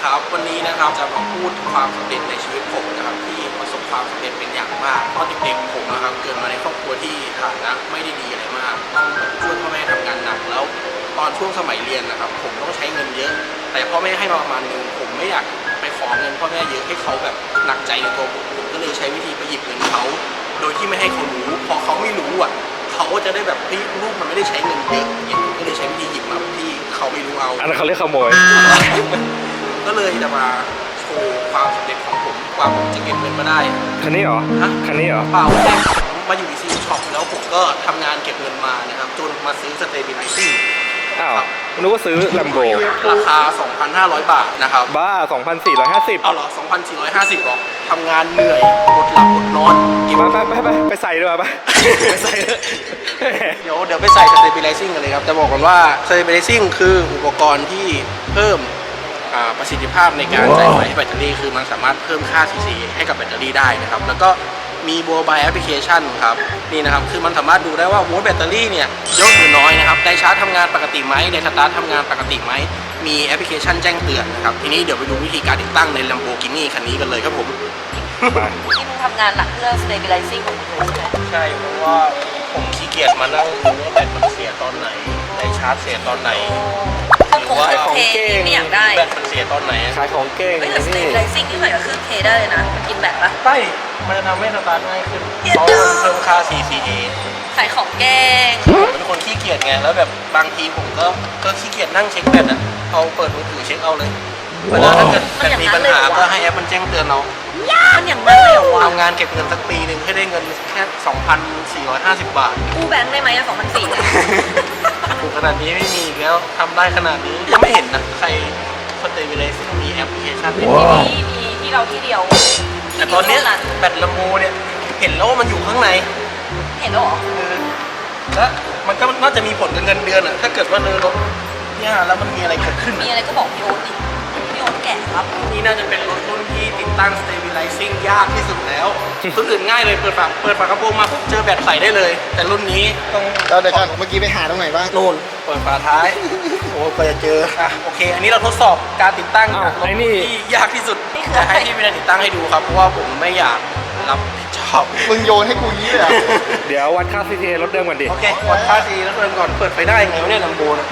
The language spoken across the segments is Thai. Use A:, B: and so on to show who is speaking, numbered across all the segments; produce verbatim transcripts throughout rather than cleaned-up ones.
A: ครับวันนี้นะครับจะมาพูดถึงความสำเร็จในชีวิตผมนะครับที่ประสบความสำเร็จเป็นอย่างมากตอนเด็กๆผมนะครับเกิดมาในครอบครัวที่ฐานะไม่ได้ดีอะไรมากต้องช่วยพ่อแม่ทำงานหนักแล้วตอนช่วงสมัยเรียนนะครับผมต้องใช้เงินเยอะแต่พ่อแม่ให้มาประมาณนึงผมไม่อยากไปขอเงินพ่อแม่เยอะให้เขาแบบหนักใจในตัวผมผมก็เลยใช้วิธีไปหยิบเงินเขาโดยที่ไม่ให้เขารู้พอเขาไม่รู้อ่ะเขาก็จะได้แบบเฮ้ยลูกมันไม่ได้ใช้เงินเยอะอย่างผมก็เลยใช้วิธีหยิบมาที่เขาไม่รู้เอา
B: อันนั้นเขาเรียกขโมย
A: ก็เลยจะมาโชว์ความสำเร็จของผมกว่าผมจะเก็บเงินมาได้
B: คันนี้เหรอฮะคันนี้เหรอ
A: เปล่าแรกผมมาอยู่ที่ซีช็อปแล้วผมก็ทำงานเก็บเงินมานะครับจนมาซื้อสเตเบลไลซิ่ง
B: อ้าวนึกว่าซื้อลัมโบ
A: ราคา สองพันห้าร้อย บาทนะครับ
B: บ้า สองพันสี่ร้อยห้าสิบ
A: เอาเหรอ สองพันสี่ร้อยห้าสิบ หรอทำงานเหนื่อยอดหลับอดนอน
B: ไปไปไปไปไปใส่ด้วยไปไปใส่
A: เดี๋ยวเดี๋ยวไปใส่สเตเบลไลซิ่งกันเลยครับจะบอกกันว่าสเตเบลไลซิ่งคืออุปกรณ์ที่เพิ่มประสิทธิภาพในการจ่ายไฟให้แบตเตอรี่คือมันสามารถเพิ่มค่า ซี ซี ให้กับแบตเตอรี่ได้นะครับแล้วก็มีโมบายแอปพลิเคชันครับนี่นะครับคือมันสามารถดูได้ว่าโวลต์แบตเตอรี่เนี่ยเยอะหรือน้อยนะครับไดชาร์จทำงานปกติไหมไดสตาร์ททำงานปกติไหมมีแอปพลิเคชันแจ้งเตือนนะครับทีนี้เดี๋ยวไปดูวิธีการติดตั้งใน Lamborghini คันนี้กันเลยครับผม
C: ที่มึงทำงานหนักเพื่อ stabilizing ของมึงเลยใช่ไหม
A: ใช่เพราะว่าผมขี้เกียจมานั่งดูว่าแบตมันเสียตอนไหนไดชาร์จเสียตอนไหน
C: หรือว่าของเก่งไม่อยากได้
A: แบตมันเสียตอนไหน
B: ขายของเก่ง
C: แต่ stabilizing ที่ใส่กับเครื่องเทได้เลยนะมันกินแบตปะ
A: ใช่มันจะทำให้สตาร์ทง่ายขึ้นเพราะมันเพิ่มค่า ซี ซี เอ
C: ขายของเก่ง
A: ผมเป็นคนขี้เกียจไงแล้วแบบบางทีผมก็ก็ขี้เกียจนั่งเช็คแบตอ่ะเอาเปิดมือถือเช็คเอาเลยเวลาถ้าเกิดแบตมีปัญหาก็ให้แอปมันแจ้งเตือนเรา
C: มันอย่างนั้นเลยเหรอวะ
A: ทำงานเก็บเงินสักปีหนึ่งให้ได้เงินแค่ สองพันสี่ร้อยห้าสิบ บาท
C: กู้แบงค์ได้ไหมอะสองพันสี่ร้อย
A: ถูกขนาดนี้ไม่มีแล้วทำได้ขนาดนี้ยังไม่เห็นนะใครสเตเบลไลซิ่งมีแอปพลิเคชัน
C: มีมีที่เราที่เดียว
A: แต่ตอนนี้แบตลัมโบเนี่ยเห็นแล้วว่ามันอยู่ข้างใน
C: เห็นแล้วเหรอ
A: แล้วมันก็น่าจะมีผลกับเงินเดือนอ่ะถ้าเกิดว่าเรือรถเนี่ยแล้วมันมีอะไรเกิดขึ้น
C: มีอะไรก็บอกพี่โอ๊ตดิพี่โอ๊ตแก่ครับ
A: นี่น่าจะเป็นรถรุ่นที่ติดตั้ง stabilizing ยากที่สุดแล้วรุ่นอื่นง่ายเลยเปิดฝาเปิดฝากระโปรงมาปุ๊บเจอแบตใส่ได้เลยแต่รุ่นนี้ต้อง
D: เราเดี๋ยวก่อนเมื่อกี้ไปหาตรงไหนบ้าง
A: นู่นเปิดฝาท้ายโอ้ก็จะเจออ่ะโอเคอันนี้เราทดสอบการติดตั้งรถที่ยากที่สุดจะให้พี่วินาติดตั้งให้ดูครับเพราะว่าผมไม่อยากรับผิดชอบ
D: มึงโยนให้กูยี่เลย
B: เดี๋ยววัดค่า ซี ซี เอ รถเดิมก่อนดิ
A: โอเควัดค่า ซี ซี เอ รถเดิมก่อนเปิดไฟได้ไงวะเนี่ยลัมโบนะ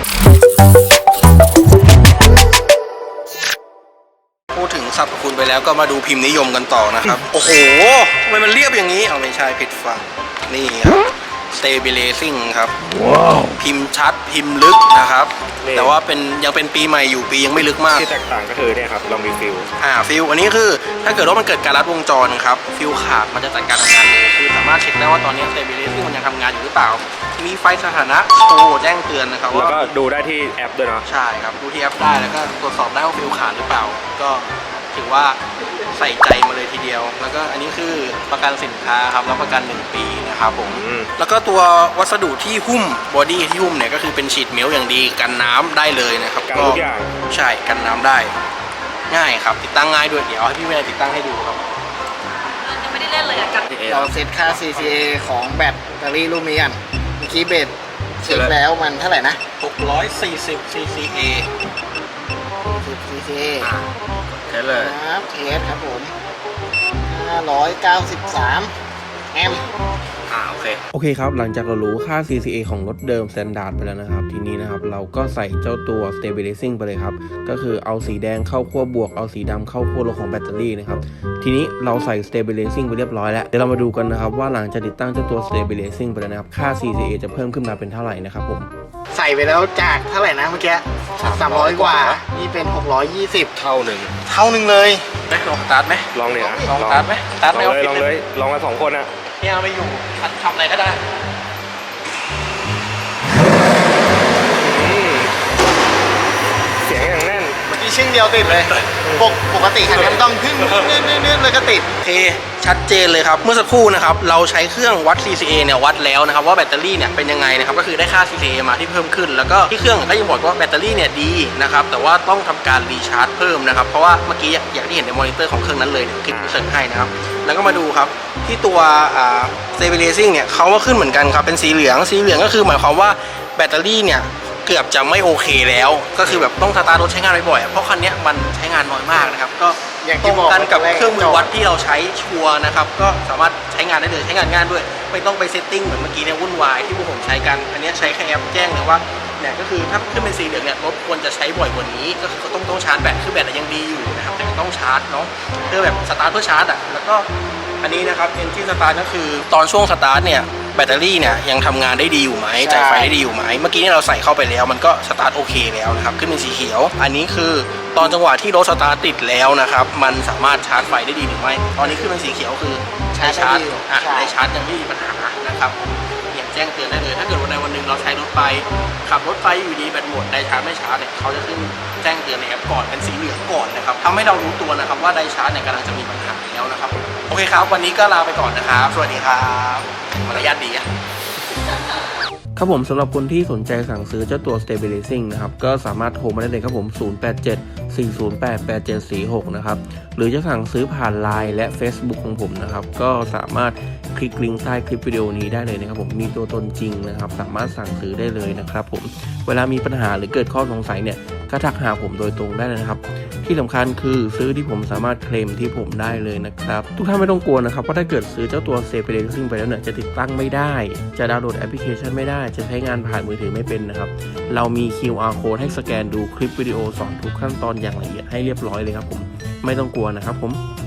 A: พูดถึงสรรพคุณไปแล้วก็มาดูพิมพ์นิยมกันต่อนะครับ โอ้โหทำไมมันเรียบอย่างนี้เอาไม่ใช่ผิดฝั่งนี่ครับ stabilizing ครับ wow. พิมพ์ชัดพิมพ์ลึกนะครับแต่ว่าเป็นยังเป็นปีใหม่อยู่ปียังไม่ลึกมาก
B: ที่แตกต่างก็คือเนี่ยครับเรามีฟิล
A: อ่าฟิลอันนี้คือถ้าเกิดว่ามันเกิดการลัดวงจรครับฟิลขาดมันจะจัดการทำงานเลยคือสามารถเช็คได้ว่าตอนนี้ stabilizing มันยังทำงานอยู่หรือเปล่ามีไฟสถานะโชว์แจ้งเตือนนะครับ
B: แล้วก็ดูได้ที่แอปด้วยเนาะ
A: ใช่ครับดูที่แอปได้แล้วก็ตรวจสอบได้ว่าฟิลขาดหรือเปล่าก็ถือว่าใส่ใจมาเลยทีเดียวแล้วก็อันนี้คือประกันสินค้าครับรับประกันหนึ่งปีนะครับผมแล้วก็ตัววัสดุที่หุ้มบอดี้ที่หุ้มเนี่ยก็คือเป็นฉีดเมลอย่างดีกันน้ำได้เลยนะครับ
B: กันทุกอย่าง
A: ใช่กันน้ำได้ง่ายครับติดตั้งง่ายด้วยเดี๋ยวให้พี่เมย์ติดตั้งให้ดูครับ
C: ยังไม่ได้เล่นเลยอะกัน
D: เราเซตค่า ซี ซี เอ ของแบตเตอรี่รุ่นนี้กันเมื่อกี้เบสเช็คแล้วมันเท่าไหร่นะ
A: หกร้อยสี่สิบ ซี ซี เอ
D: ซี ซี เอ
B: เทสเลย
D: ครับเทสครับผมห้าร้อยเก้าสิบสามแอมป์
A: อ่าโอเค
E: โอเคครับหลังจากเรารู้ค่า ซี ซี เอ ของรถเดิม Standard ไปแล้วนะครับทีนี้นะครับเราก็ใส่เจ้าตัว Stabilizing ไปเลยครับก็คือเอาสีแดงเข้าขั้วบวกเอาสีดำเข้าขั้วลบของแบตเตอรี่นะครับทีนี้เราใส่ Stabilizing ไปเรียบร้อยแล้วเดี๋ยวเรามาดูกันนะครับว่าหลังจากติดตั้งเจ้าตัว Stabilizing ไปแล้วนะครับค่า ซี ซี เอ จะเพิ่มขึ้นมาเป็นเท่าไหร่นะครับผม
D: ใส่ไปแล้วจากเท่าไหร่นะเมื่อกี้สามร้อยกว่านี่เป็นหกร้อยยี่สิบ
B: เท่าหนึ่ง
D: เท่าหนึ่งเลย
A: ได้ลองสตาร์ทไหม
B: ลองเนี่ย
A: ลองสตาร์ทไหมสตาร์ทไม่เอา
B: ลองเลยลองมาสองคนอะ
A: เนี่ยไม่อยู่ทำอะไรก็ได้
B: เสียงอย่างแน่น
D: เมื่อกี้ชิ้นเดียวติดเลยปกปกติคันนี้ต้องขึ้นนื่นๆเลยก็ติด
A: โอเคชัดเจนเลยครับเมื่อสักครู่นะครับเราใช้เครื่องวัด ซี ซี เอ เนี่ยวัดแล้วนะครับว่าแบตเตอรี่เนี่ยเป็นยังไงนะครับก็คือได้ค่า ซี ซี เอ มาที่เพิ่มขึ้นแล้วก็ที่เครื่องก็ยังบอกว่าแบตเตอรี่เนี่ยดีนะครับแต่ว่าต้องทำการรีชาร์จเพิ่มนะครับเพราะว่าเมื่อกี้อย่างที่เห็นในมอนิเตอร์ของเครื่องนั้นเลยคลิปเสิร์ชให้นะครับแล้วก็มาดูครับที่ตัว stabilizing เนี่ยเขาก็ขึ้นเหมือนกันครับเป็นสีเหลืองสีเหลืองก็คือหมายความว่าแบตเตอรี่เนี่ยเกือบจะไม่โอเคแล้วก็คือแบบต้องสตาร์ทรถใช้งานบ่อยๆเพราะคันนี้มันใช้งานน้อยมากนะครับก็
D: อย่าง
A: ต
D: ที่
A: รง
D: บอก
A: กันกับ
D: แรก
A: เครื่องมือวัดที่เราใช้ชัวร์นะครับก็สามารถใช้งานได้เลยใช้งานง่ายด้วยไม่ต้องไปเซตติ้งเหมือนเมื่อกี้เนี่ยวุ่นวายที่พวกผมใช้กันอันนี้ใช้แค่แอปแจ้งเลยว่าเนี่ยก็คือถ้าขึ้นเป็นสีเหลืองเนี่ยรถควรจะใช้บ่อยกว่านี้ก็คือต้องต้องชาร์จแบตคือแบตยังดีอยู่นะครับแต่ต้องชาร์จเนาะเพื่อแบบสตาร์ทเพื่อชาร์จอ่ะแล้วก็อันนี้นะครับ Engine Start ก็คือตอนช่วงสตาร์ทเนี่ยแบตเตอรี่เนี่ยยังทำงานได้ดีอยู่ไหมจ่ายไฟได้ดีอยู่ไหมเมื่อกี้เนี่ยเราใส่เข้าไปแล้วมันก็สตาร์ทโอเคแล้วนะครับขึ้นเป็นสีเขียวอันนี้คือตอนจังหวะที่รถสตาร์ทติดแล้วนะครับมันสามารถชาร์จไฟได้ดีหรือไม่ตอนนี้ขึ้นเป็นสีเขียวคือใช้ชาร์จอ่ะได้ชาร์จยังไม่มีปัญหานะครับเนี่ยแจ้งเตือนได้เลยถ้าเกิดวันใดวันหนึ่งเราใช้รถไปขับรถไปอยู่ดีแบตหมดได้ชาร์จไม่ชาร์จเนี่ยเขาจะขึ้นแจ้งเตือนในแอปก่อนเป็นสีเหลืองก่อนนะครับทำให้เรารู้ตัวนะครับว่าได้ชาร์จเนี่ยกำลังจะมีปัญหาแล้วนะครับโอเคครับวันนี้ก็ลาไปก่อนนะครับสวัสดีครับมารยาทดีอะ
E: ครับผมสำหรับคนที่สนใจสั่งซื้อเจ้าตัว Stabilizing นะครับก็สามารถโทรมาได้เลยครับผม ศูนย์ แปด เจ็ด สี่ ศูนย์ แปด แปด เจ็ด สี่ หก นะครับหรือจะสั่งซื้อผ่าน ไลน์ และ Facebook ของผมนะครับก็สามารถคลิกลิงก์ใต้คลิปวิดีโอนี้ได้เลยนะครับผมมีตัวตนจริงนะครับสามารถสั่งซื้อได้เลยนะครับผมเวลามีปัญหาหรือเกิดข้อสงสัยเนี่ยก็ทักหาผมโดยตรงได้เลยนะครับที่สำคัญคือซื้อที่ผมสามารถเคลมที่ผมได้เลยนะครับทุกท่านไม่ต้องกลัวนะครับว่าถ้าเกิดซื้อเจ้าตัว Stabilizing ไปแล้วเนี่ยจะติดตั้งไม่ได้จะดาวน์โหลดแอปพลิเคชันไม่ได้จะใช้งานผ่านมือถือไม่เป็นนะครับเรามี คิว อาร์ Code ให้สแกนดูคลิปวิดีโอสอนทุกขั้นตอนอย่างละเอียดให้เรียบร้อยเลยครับผมไม่ต้องกลัวนะครับผม